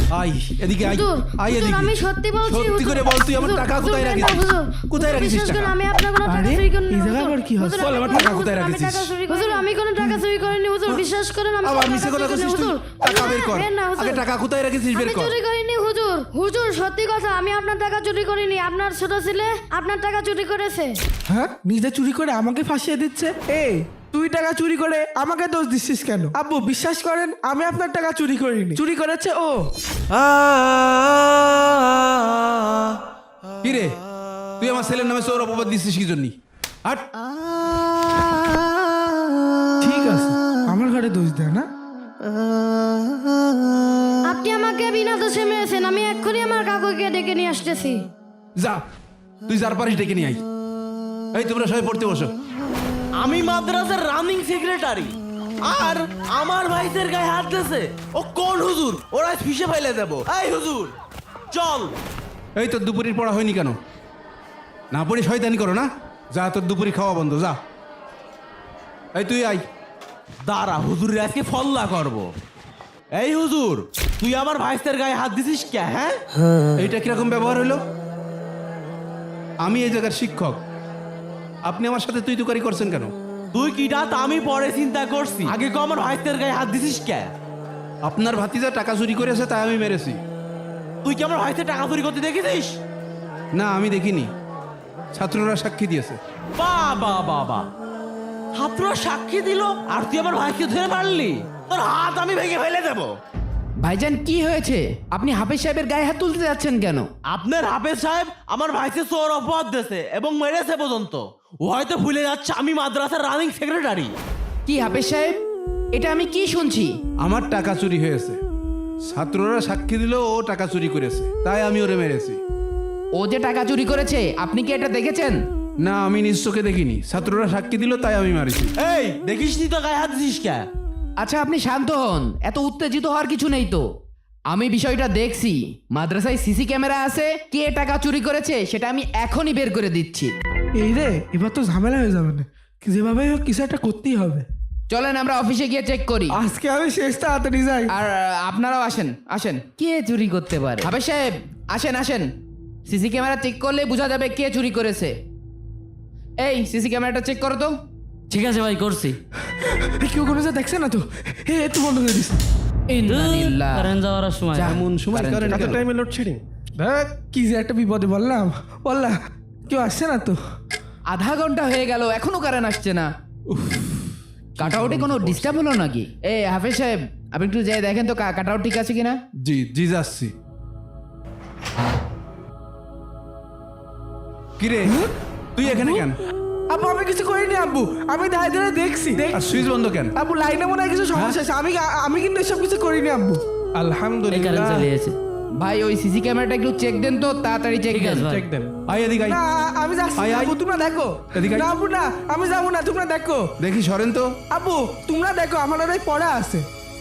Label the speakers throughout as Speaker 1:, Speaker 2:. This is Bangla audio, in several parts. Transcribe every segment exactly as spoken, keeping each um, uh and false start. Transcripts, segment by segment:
Speaker 1: আই এদিকে আই
Speaker 2: হুজুর,
Speaker 1: আই
Speaker 2: হুজুর,
Speaker 1: এদিকে
Speaker 2: আমি সত্যি বলছি
Speaker 1: সত্যি
Speaker 2: হুজুর।
Speaker 1: করে বল তুই আমার
Speaker 2: হুজুর,
Speaker 1: টাকা
Speaker 2: হুজুর,
Speaker 1: কোথায়
Speaker 2: না,
Speaker 1: রাখিস
Speaker 2: হুজুর,
Speaker 1: কোথায়
Speaker 2: হুজুর,
Speaker 1: রাখিস
Speaker 2: বিশ্বাস করুন,
Speaker 1: টাকা
Speaker 2: আমি আপনার কোনো টাকা
Speaker 3: আরে,
Speaker 2: চুরি করিনি
Speaker 3: এই
Speaker 2: হুজুর।
Speaker 3: জায়গায় আবার কি হচ্ছে?
Speaker 2: হুজুর,
Speaker 1: বল,
Speaker 2: আমি
Speaker 1: আমার
Speaker 2: কোনো-
Speaker 1: টাকা কোথায়
Speaker 2: হুজুর, আমি
Speaker 1: রাখিস?
Speaker 2: টাকা চুরি করিনি। হুজুর, আমি কোনো টাকা চুরি করিনি হুজুর, বিশ্বাস করেন আমি
Speaker 1: আবার
Speaker 2: কোনো
Speaker 1: মিছে
Speaker 2: টাকা
Speaker 1: কথা
Speaker 2: চুরি
Speaker 1: কইছিস
Speaker 2: করিনি,
Speaker 1: তুই
Speaker 2: হুজুর।
Speaker 1: টাকা
Speaker 2: হুজুর,
Speaker 1: বের কর
Speaker 2: বের না, হুজুর।
Speaker 1: আগে টাকা কোথায় রাখিস বের
Speaker 2: আমি
Speaker 1: কর
Speaker 2: চুরি করিনি হুজুর। হুজুর, সত্যি কথা, আমি আপনার টাকা চুরি করিনি। আপনার ছোট ছেলে আপনার টাকা চুরি করেছে।
Speaker 3: হ্যাঁ, নিজে চুরি করে আমাকে ফাঁসিয়ে দিচ্ছে। এই তুই টাকা চুরি করে আমাকে দোষ দিচ্ছিস কেন? আব্বু বিশ্বাস করেন, আমি আপনার টাকা চুরি করিনি, চুরি করেছে ও।
Speaker 1: কি রে তুই আমার ছেলের নামে সৌর অপবাদ দিচ্ছিস কি জন্য হাট
Speaker 3: ঠিক আছে, আমার ঘরে দোষ দেয় না।
Speaker 2: আপনি আমাকে বিনা দোষে মেরেছেন। আমি এক্ষুনি আমার কাকুকে ডেকে নিয়ে আসতেছি।
Speaker 1: যা তুই যার পারিস ডেকে নিয়ে আই এই তোমরা সবাই পড়তে বসো
Speaker 4: আমি মাদ্রাসার রানিং সেক্রেটারি আর আমার ভাইদের গায়ে হাত দিয়েছে। ও কোন হুজুর? ওরা ফিসে ফেলে দেব। এই হুজুর চল।
Speaker 1: এই তোর দুপুরের পড়া হয়নি কেন না পড়ি শয়তানি করো না যা তোর দুপুরি খাওয়া বন্ধ যা এই তুই আই
Speaker 4: দাঁড়া, হুজুরের আজকে ফল্লা করব। এই হুজুর, তুই আমার ভাইদের গায়ে হাত দিছিস কে? হ্যাঁ,
Speaker 1: এইটা কিরকম ব্যবহার হলো আমি এই জায়গার শিক্ষক আপনি আমার সাথে তুই তুকারি করছেন কেন
Speaker 4: তুই কিটা তা আমি পরে চিন্তা করছি। আগে কো আমার ভাইদের গায়ে হাত দিছিস কে?
Speaker 1: আপনার ভাতিজা টাকা চুরি করেছে তাই আমি মেরেছি
Speaker 4: তুই কি আমার ভাইদের টাকা চুরি করতে দেখেছিস?
Speaker 1: না আমি দেখিনি ছাত্ররা সাক্ষী দিয়েছে
Speaker 4: বাবা বাবা, ছাত্ররা সাক্ষী দিল আর তুই আমার ভাইকে ধরে মারলি? তোর হাত আমি ভেঙে ফেলে দেবো।
Speaker 5: ভাইজান কি হয়েছে? আপনি হাফেজ সাহেবের গায়ে হাত তুলতে যাচ্ছেন কেন?
Speaker 4: আপনার হাফেজ সাহেব আমার ভাইকে চোর অপবাদ দিয়েছে এবং মেরেছে পর্যন্ত। ও হয়তো ভুলে যাচ্ছে আমি মাদ্রাসার রানিং সেক্রেটারি।
Speaker 5: কি হাফেজ সাহেব, এটা আমি কি শুনছি?
Speaker 1: আমার টাকা চুরি হয়েছে ছাত্ররা সাক্ষী দিল ও টাকা চুরি করেছে তাই আমি ওরে মেরেছি
Speaker 5: ও যে টাকা চুরি করেছে আপনি কি এটা দেখেছেন?
Speaker 1: না আমি নিজ চোখে দেখিনি ছাত্ররা সাক্ষী দিল তাই আমি মারিছি
Speaker 4: এই দেখিস নি তো গায়ে হাত দিছিস কে?
Speaker 5: আচ্ছা আপনি শান্ত হন, এত উত্তেজিত হওয়ার কিছু নেই তো। আমি বিষয়টা দেখছি, মাদ্রাসায় সিসি ক্যামেরা আছে, কে টাকা চুরি করেছে সেটা আমি এখনই বের করে দিচ্ছি।
Speaker 3: এই রে, এবার তো ঝামেলা হয়ে যাবে না, যেভাবে হোক কিছু একটা করতেই হবে।
Speaker 5: চলেন আমরা অফিসে গিয়ে চেক করি।
Speaker 3: আজকে আমি শেষ তাড়াতাড়ি যাই।
Speaker 5: আর আহ, আপনারাও আসেন আসেন। কে চুরি করতে পারে? হাফেজ সাহেব আসেন আসেন, সিসি ক্যামেরা চেক করলে বোঝা যাবে কে চুরি করেছে। এই সিসি ক্যামেরাটা চেক করো তো।
Speaker 6: ঠিক আছে ভাই, করছি।
Speaker 3: এই কেউ কোনো যা দেখছে না তো? হে একটু বন্ধ করে দিস।
Speaker 5: ইন্নালিল্লাহ।
Speaker 6: কারেন্ট যাওয়ার সময়
Speaker 5: যা।
Speaker 1: এমন সময়
Speaker 5: কারেন্ট
Speaker 1: করেন
Speaker 3: এত
Speaker 1: কেন?
Speaker 3: টাইমে লোডশেডিং, দেখ কি যে একটা বিপদে বললাম বললা, কেউ আসছে না তো?
Speaker 5: আধা ঘন্টা হয়ে গেল এখনো কারেন্ট আসছে না। কাটাউটে কোনো ডিস্টার্ব হলো নাকি? এ হাফেজ সাহেব আপনি একটু যাই দেখেন তো কাটাউট ঠিক আছে কিনা।
Speaker 1: জি জি যাচ্ছি কিরে তুই এখানে কেন
Speaker 3: আব্বু আমি কিছু করিনি আব্বু, আমি দাঁড়িয়ে দাঁড়িয়ে দেখছি। দেখ
Speaker 1: আর সুইচ বন্ধ কেন
Speaker 3: আব্বু, লাইনে মনে হয় কিছু সমস্যা আছে। আমি আমি কিন্তু এসব কিছু করিনি আব্বু।
Speaker 6: এই কারেন্ট
Speaker 1: আলহামদুলিল্লাহ
Speaker 6: চলে গেছে।
Speaker 5: ভাই ওই সিসি ক্যামেরাটা একটু চেক দেন তো, তাড়াতাড়ি চেক
Speaker 6: ঠিক
Speaker 5: দেন।
Speaker 6: আছে ভাই।
Speaker 1: চেক দেন আই এদিকে আই
Speaker 3: না আমি যাচ্ছি
Speaker 1: আয়,
Speaker 3: না,
Speaker 1: আয়।
Speaker 3: আব্বু তোমরা দেখো।
Speaker 1: এদিকে আয়।
Speaker 3: না আব্বু না, আমি যাবো না, তোমরা দেখো।
Speaker 1: দেখি সরেন তো
Speaker 3: আব্বু তোমরা দেখো, আমার ওরাই পড়া আছে।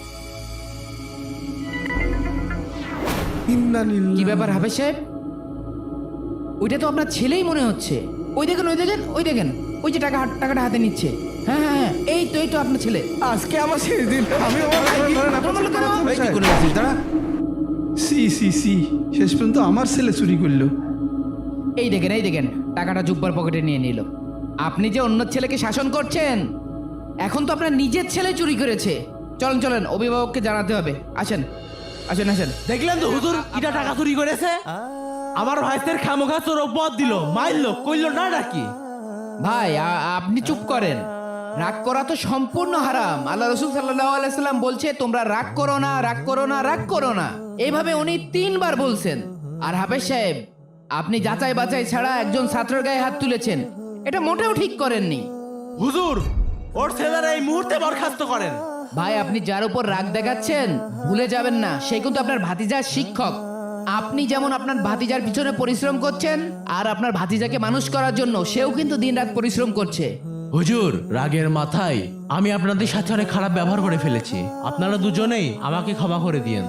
Speaker 5: কি ব্যাপার হাফেজ সাহেব? ওইটা তো আপনার ছেলেই মনে হচ্ছে। ওই দেখেন ওই দেখেন ওই দেখেন ওই যে টাকা টাকাটা হাতে নিচ্ছে। হ্যাঁ হ্যাঁ হ্যাঁ, এই তো এই তো আপনার ছেলে।
Speaker 3: আজকে আমার শেষ দিন। আমি
Speaker 1: এই কি করে আছিস দাঁড়া সি সি সি শেষ পর্যন্ত আমার ছেলে চুরি করলো
Speaker 5: এই দেখেন এই দেখেন টাকাটা জুব্বার পকেটে নিয়ে নিল। আপনি যে অন্য ছেলেকে শাসন করছেন, এখন তো আপনার নিজের ছেলে চুরি করেছে। চলেন চলেন অভিভাবককে জানাতে হবে। আসেন আসেন আসেন।
Speaker 4: দেখলেন তো হুজুর কিটা টাকা চুরি করেছে? আমার ভাইদের খামোখা চোর অপবাদ দিল, মারলো, কইলো না নাকি?
Speaker 5: ভাই আ- আপনি চুপ করেন। রাগ করা তো সম্পূর্ণ হারাম। আল্লাহ রসুল সাল্লাল্লাহু আলাইহি সাল্লাম বলছে তোমরা রাগ করো না, রাগ করো না, রাগ করো না। এইভাবে উনি তিনবার বলছেন। আর হাফেজ সাহেব আপনি যাচাই বাছাই ছাড়া একজন ছাত্রের গায়ে হাত তুলেছেন, এটা মোটেও ঠিক করেননি।
Speaker 4: হুজুর ওর ছেলেরা এই মুহূর্তে বরখাস্ত করেন।
Speaker 5: ভাই আপনি যার উপর রাগ দেখাচ্ছেন ভুলে যাবেন না, সে কিন্তু আপনার ভাতিজার শিক্ষক। আপনি যেমন আপনার ভাতিজার পিছনে পরিশ্রম করছেন, আর আপনার ভাতিজাকে মানুষ করার জন্য সেও কিন্তু দিনরাত পরিশ্রম করছে।
Speaker 4: হুজুর রাগের মাথায় আমি আপনাদের সাথে অনেক খারাপ ব্যবহার করে ফেলেছি, আপনারা দুজনেই আমাকে ক্ষমা করে দিয়েন।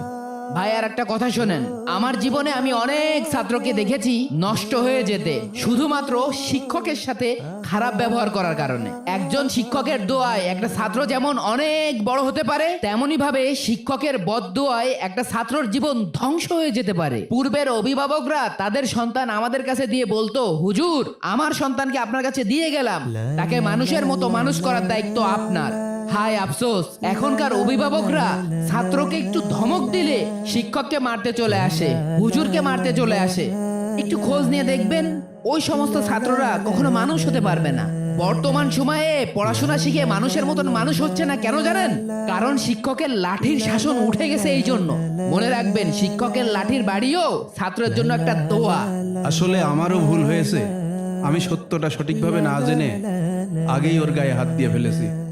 Speaker 5: ভাই আর একটা কথা শোনেন, আমার জীবনে আমি অনেক ছাত্রকে দেখেছি নষ্ট হয়ে যেতে শুধুমাত্র শিক্ষকের সাথে খারাপ ব্যবহার করার কারণে। একজন শিক্ষকের দোয়ায় একটা ছাত্র যেমন অনেক বড় হতে পারে, তেমনি ভাবে শিক্ষকের বদদোয়ায় একটা ছাত্রর জীবন ধ্বংস হয়ে যেতে পারে। পূর্বের অভিভাবকরা তাদের সন্তান আমাদের কাছে দিয়ে বলতো, হুজুর আমার সন্তানকে আপনার কাছে দিয়ে গেলাম, তাকে মানুষের মতো মানুষ করার দায়িত্ব আপনার। হায় আফসোস, এখনকার অভিভাবকরা ছাত্রকে একটু ধমক দিলে শিক্ষককে মারতে চলে আসে, হুজুরকে মারতে চলে আসে। একটু খোঁজ নিয়ে দেখবেন ওই সমস্ত ছাত্ররা কখনো মানুষ হতে পারবে না। বর্তমান সময়ে পড়াশোনা শিখে মানুষের মতন মানুষ হচ্ছে না, কেন জানেন? কারণ শিক্ষকের লাঠির শাসন উঠে গেছে। এই জন্য মনে রাখবেন, শিক্ষকের লাঠির বাড়িও ছাত্রের জন্য একটা দোয়া।
Speaker 1: আসলে আমারও ভুল হয়েছে, আমি সত্যটা সঠিকভাবে না জেনে আগেই ওর গায়ে হাত দিয়ে ফেলেছি।